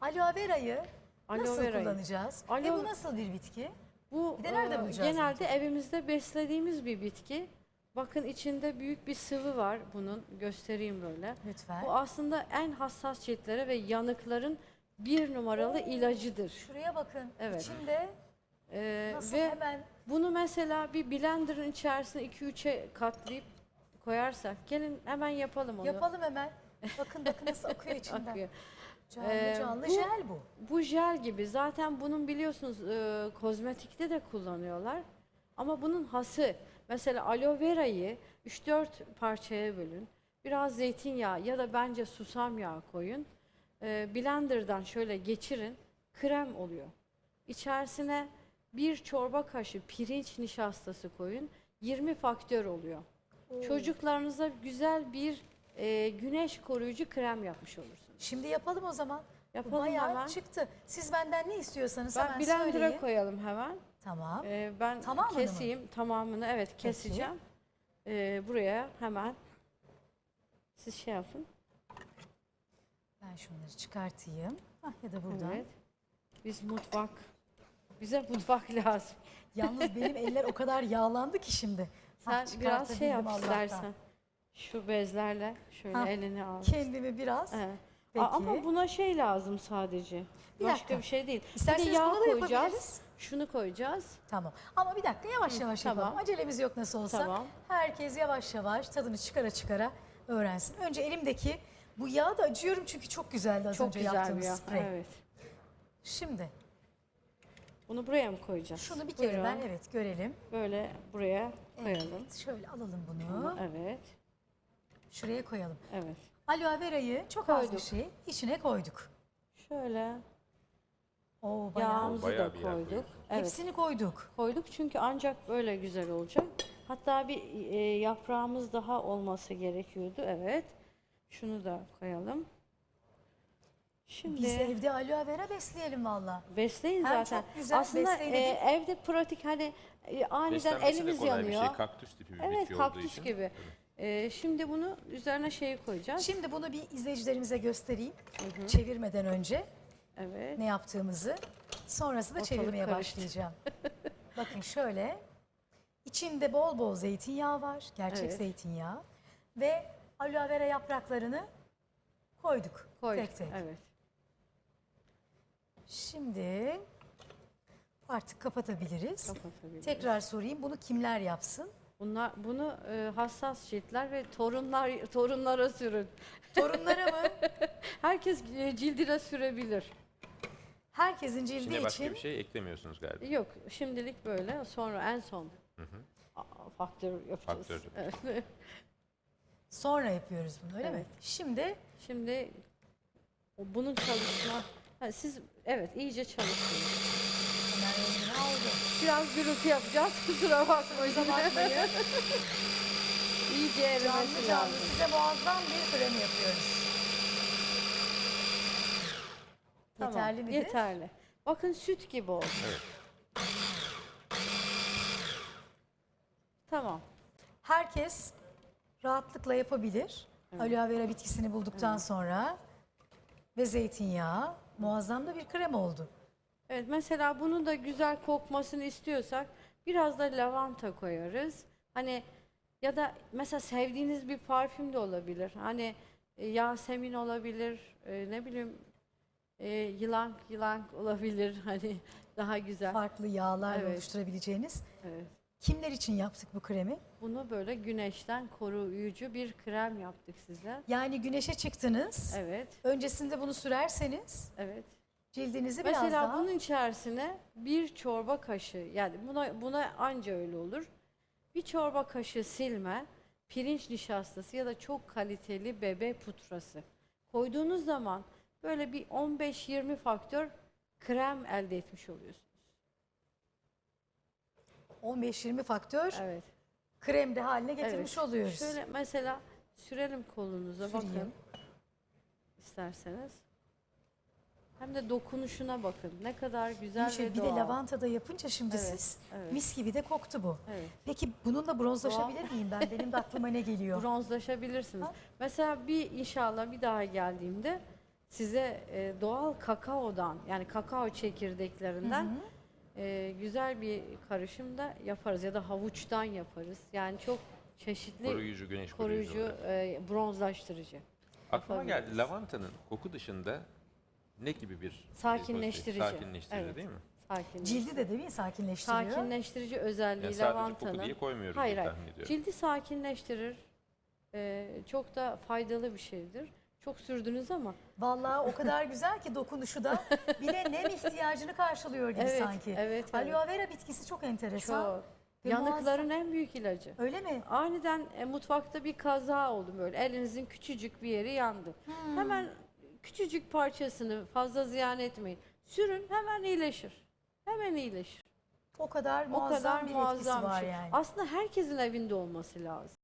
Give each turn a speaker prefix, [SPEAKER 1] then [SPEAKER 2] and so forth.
[SPEAKER 1] Aloe verayı
[SPEAKER 2] Aloe
[SPEAKER 1] nasıl
[SPEAKER 2] verayı.
[SPEAKER 1] kullanacağız? Ve bu nasıl bir bitki?
[SPEAKER 2] Bu
[SPEAKER 1] Bir de nerede bulacağız
[SPEAKER 2] genelde evimizde beslediğimiz bir bitki. Bakın içinde büyük bir sıvı var bunun. Göstereyim böyle.
[SPEAKER 1] Lütfen.
[SPEAKER 2] Bu aslında en hassas ciltlere ve yanıkların bir numaralı ilacıdır.
[SPEAKER 1] Şuraya bakın.
[SPEAKER 2] Evet.
[SPEAKER 1] İçinde nasıl
[SPEAKER 2] Ve
[SPEAKER 1] hemen
[SPEAKER 2] bunu mesela bir blenderın içerisine 2-3'e katlayıp koyarsak, gelin hemen yapalım onu.
[SPEAKER 1] yapalım hemen. Bakın bakın nasıl akıyor içinden.
[SPEAKER 2] Akıyor.
[SPEAKER 1] Canlı canlı
[SPEAKER 2] bu-
[SPEAKER 1] jel bu.
[SPEAKER 2] Bu jel gibi. Zaten bunun biliyorsunuz kozmetikte de kullanıyorlar. Ama bunun hası, mesela aloe verayı 3-4 parçaya bölün. Biraz zeytinyağı ya da bence susam yağı koyun. Blender'dan şöyle geçirin. Krem oluyor. İçerisine bir çorba kaşığı pirinç nişastası koyun. 20 faktör oluyor. Çocuklarınıza güzel bir güneş koruyucu krem yapmış olursunuz.
[SPEAKER 1] Şimdi yapalım o zaman. Bu
[SPEAKER 2] Yapalım
[SPEAKER 1] bayağı
[SPEAKER 2] hemen.
[SPEAKER 1] çıktı. Siz benden ne istiyorsanız
[SPEAKER 2] Ben
[SPEAKER 1] hemen
[SPEAKER 2] blender'a
[SPEAKER 1] söyleyin.
[SPEAKER 2] koyalım hemen.
[SPEAKER 1] Tamam.
[SPEAKER 2] Ben
[SPEAKER 1] Tamamını mı?
[SPEAKER 2] keseyim tamamını. Evet keseceğim. Buraya hemen siz şey yapın.
[SPEAKER 1] Ben şunları çıkartayım. Ya da buradan.
[SPEAKER 2] Evet. Bize mutfak lazım.
[SPEAKER 1] Yalnız benim eller o kadar yağlandı ki şimdi.
[SPEAKER 2] Sen biraz şey yap
[SPEAKER 1] çıkartabildim
[SPEAKER 2] istersen.
[SPEAKER 1] Allah'tan.
[SPEAKER 2] Şu bezlerle şöyle elini al.
[SPEAKER 1] Kendimi biraz.
[SPEAKER 2] Evet.
[SPEAKER 1] Peki.
[SPEAKER 2] Ama buna şey lazım sadece.
[SPEAKER 1] Bir
[SPEAKER 2] Başka
[SPEAKER 1] dakika.
[SPEAKER 2] bir şey değil.
[SPEAKER 1] İsterseniz
[SPEAKER 2] bir de yağ
[SPEAKER 1] bunu da
[SPEAKER 2] koyacağız.
[SPEAKER 1] yapabiliriz.
[SPEAKER 2] Şunu koyacağız.
[SPEAKER 1] Tamam. Ama bir dakika yavaş yavaş
[SPEAKER 2] tamam.
[SPEAKER 1] yapalım. Acelemiz yok nasıl olsa.
[SPEAKER 2] Tamam.
[SPEAKER 1] Herkes yavaş yavaş tadını çıkara çıkara öğrensin. Önce elimdeki bu yağı da acıyorum çünkü çok güzeldi az
[SPEAKER 2] Çok
[SPEAKER 1] önce
[SPEAKER 2] güzel bir
[SPEAKER 1] yaptığımız
[SPEAKER 2] yağ.
[SPEAKER 1] sprey.
[SPEAKER 2] Evet.
[SPEAKER 1] Şimdi
[SPEAKER 2] Bunu buraya mı koyacağız?
[SPEAKER 1] şunu bir kere
[SPEAKER 2] Buyurun.
[SPEAKER 1] ben görelim.
[SPEAKER 2] Böyle buraya koyalım.
[SPEAKER 1] Evet, şöyle alalım bunu.
[SPEAKER 2] Evet.
[SPEAKER 1] Şuraya koyalım.
[SPEAKER 2] Evet.
[SPEAKER 1] Aloe verayı çok az bir
[SPEAKER 2] Koyduk.
[SPEAKER 1] şey içine koyduk.
[SPEAKER 2] Şöyle
[SPEAKER 1] Oo, bayağı.
[SPEAKER 2] yağımızı
[SPEAKER 3] Bayağı
[SPEAKER 2] da
[SPEAKER 3] bir yağ
[SPEAKER 2] koyduk.
[SPEAKER 3] koyuyoruz.
[SPEAKER 2] Evet.
[SPEAKER 1] Hepsini koyduk.
[SPEAKER 2] Koyduk çünkü ancak böyle güzel olacak. Hatta bir yaprağımız daha olması gerekiyordu. Evet. Şunu da koyalım. Şimdi
[SPEAKER 1] Biz evde aloe vera besleyelim valla.
[SPEAKER 2] besleyin
[SPEAKER 1] Hem
[SPEAKER 2] zaten.
[SPEAKER 1] çok güzel
[SPEAKER 2] Aslında
[SPEAKER 1] besleyici.
[SPEAKER 2] evde pratik hani aniden
[SPEAKER 3] Beslenmesi de
[SPEAKER 2] elimiz
[SPEAKER 3] kolay
[SPEAKER 2] yanıyor.
[SPEAKER 3] bir şey. Kaktüs tipi bir
[SPEAKER 2] Evet
[SPEAKER 3] bitki olduğu
[SPEAKER 2] kaktüs
[SPEAKER 3] için.
[SPEAKER 2] gibi. Şimdi bunu üzerine şeyi koyacağız.
[SPEAKER 1] Şimdi bunu bir izleyicilerimize göstereyim. Çevirmeden önce
[SPEAKER 2] Evet.
[SPEAKER 1] ne yaptığımızı. Sonrasında
[SPEAKER 2] Ortalık
[SPEAKER 1] çevirmeye
[SPEAKER 2] karıştı.
[SPEAKER 1] başlayacağım. Bakın şöyle. İçinde bol bol zeytinyağı var. Gerçek
[SPEAKER 2] Evet.
[SPEAKER 1] zeytinyağı. Ve aloe vera yapraklarını koyduk.
[SPEAKER 2] Koyduk.
[SPEAKER 1] Tek tek.
[SPEAKER 2] Evet.
[SPEAKER 1] Şimdi artık kapatabiliriz.
[SPEAKER 2] Kapatabiliriz.
[SPEAKER 1] Tekrar sorayım. Bunu kimler yapsın?
[SPEAKER 2] Bunu hassas ciltler ve torunlara sürün.
[SPEAKER 1] Torunlara mı?
[SPEAKER 2] Herkes cildine sürebilir.
[SPEAKER 1] Herkesin cildi
[SPEAKER 3] İçine başka
[SPEAKER 1] için
[SPEAKER 3] bir şey eklemiyorsunuz galiba.
[SPEAKER 2] Yok şimdilik böyle sonra en son faktör yapacağız.
[SPEAKER 3] Faktör.
[SPEAKER 2] Evet.
[SPEAKER 1] sonra yapıyoruz bunu öyle mi?
[SPEAKER 2] Evet.
[SPEAKER 1] Şimdi
[SPEAKER 2] Bunun siz evet iyice çalışın.
[SPEAKER 1] hemen rengini aldı.
[SPEAKER 2] Biraz gürültü yapacağız kusura bakmayın.
[SPEAKER 1] Bakmayın.
[SPEAKER 2] İyice erimesi
[SPEAKER 1] Canlı canlı
[SPEAKER 2] lazım.
[SPEAKER 1] size muazzam bir krem yapıyoruz.
[SPEAKER 2] Tamam,
[SPEAKER 1] Yeterli midir?
[SPEAKER 2] Yeterli. Bakın süt gibi oldu.
[SPEAKER 3] Evet.
[SPEAKER 2] Tamam.
[SPEAKER 1] Herkes rahatlıkla yapabilir. Aloe vera bitkisini bulduktan sonra ve zeytinyağı muazzam da bir krem oldu.
[SPEAKER 2] Evet mesela bunu da güzel kokmasını istiyorsak biraz da lavanta koyarız. Hani ya da mesela sevdiğiniz bir parfüm de olabilir. Hani Yasemin olabilir, ne bileyim yılan olabilir. Hani daha güzel.
[SPEAKER 1] Farklı yağlarla
[SPEAKER 2] Evet.
[SPEAKER 1] oluşturabileceğiniz.
[SPEAKER 2] Evet.
[SPEAKER 1] Kimler için yaptık bu kremi?
[SPEAKER 2] Bunu böyle güneşten koruyucu bir krem yaptık size.
[SPEAKER 1] Yani güneşe çıktınız.
[SPEAKER 2] Evet.
[SPEAKER 1] Öncesinde bunu sürerseniz
[SPEAKER 2] Evet.
[SPEAKER 1] cildinizi biraz
[SPEAKER 2] Mesela
[SPEAKER 1] daha...
[SPEAKER 2] bunun içerisine bir çorba kaşığı yani buna anca öyle olur. Bir çorba kaşığı silme, pirinç nişastası ya da çok kaliteli bebe pudrası koyduğunuz zaman böyle bir 15-20 faktör krem elde etmiş oluyorsunuz.
[SPEAKER 1] 15-20 faktör
[SPEAKER 2] Evet.
[SPEAKER 1] krem de haline getirmiş
[SPEAKER 2] Evet.
[SPEAKER 1] oluyoruz.
[SPEAKER 2] Şöyle mesela sürelim kolunuza
[SPEAKER 1] Süreyim.
[SPEAKER 2] bakın isterseniz. Hem de dokunuşuna bakın. Ne kadar güzel ve
[SPEAKER 1] Bir de
[SPEAKER 2] doğal.
[SPEAKER 1] lavantada yapınca şimdi
[SPEAKER 2] Evet,
[SPEAKER 1] siz
[SPEAKER 2] evet.
[SPEAKER 1] mis gibi de koktu bu.
[SPEAKER 2] Evet.
[SPEAKER 1] Peki bununla bronzlaşabilir miyim ben? Benim de aklıma ne geliyor?
[SPEAKER 2] Bronzlaşabilirsiniz.
[SPEAKER 1] Ha?
[SPEAKER 2] Mesela inşallah bir daha geldiğimde size doğal kakaodan, yani kakao çekirdeklerinden güzel bir karışım da yaparız ya da havuçtan yaparız. Yani çok çeşitli
[SPEAKER 3] Koruyucu, güneş koruyucu.
[SPEAKER 2] koruyucu, bronzlaştırıcı.
[SPEAKER 3] Aklıma geldi,
[SPEAKER 2] yapabiliriz.
[SPEAKER 3] lavantanın koku dışında ne gibi bir
[SPEAKER 2] Sakinleştirici.
[SPEAKER 3] sakinleştirici
[SPEAKER 2] Evet.
[SPEAKER 3] değil mi?
[SPEAKER 2] Sakinleştirici.
[SPEAKER 1] Cildi de değil mi sakinleştiriyor?
[SPEAKER 2] Sakinleştirici özelliği
[SPEAKER 3] Yani sadece
[SPEAKER 2] lavantanın.
[SPEAKER 3] koku diye koymuyoruz
[SPEAKER 2] Hayır,
[SPEAKER 3] diye
[SPEAKER 2] hayır.
[SPEAKER 3] tahmin ediyorum.
[SPEAKER 2] Cildi sakinleştirir. Çok da faydalı bir şeydir. Çok sürdünüz ama
[SPEAKER 1] Vallahi o kadar güzel ki dokunuşu da bir de nem ihtiyacını karşılıyor gibi
[SPEAKER 2] evet,
[SPEAKER 1] sanki.
[SPEAKER 2] evet,
[SPEAKER 1] Aloe vera bitkisi çok enteresan.
[SPEAKER 2] çok.
[SPEAKER 1] Ve
[SPEAKER 2] Yanıkların en büyük ilacı.
[SPEAKER 1] Öyle mi?
[SPEAKER 2] Aniden mutfakta bir kaza oldu böyle. Elinizin küçücük bir yeri yandı. Hemen küçücük parçasını fazla ziyan etmeyin. Sürün, hemen iyileşir. Hemen iyileşir.
[SPEAKER 1] O kadar
[SPEAKER 2] O
[SPEAKER 1] muazzam
[SPEAKER 2] kadar
[SPEAKER 1] bir etkisi
[SPEAKER 2] muazzam bir
[SPEAKER 1] var
[SPEAKER 2] şey.
[SPEAKER 1] yani.
[SPEAKER 2] Aslında herkesin evinde olması lazım.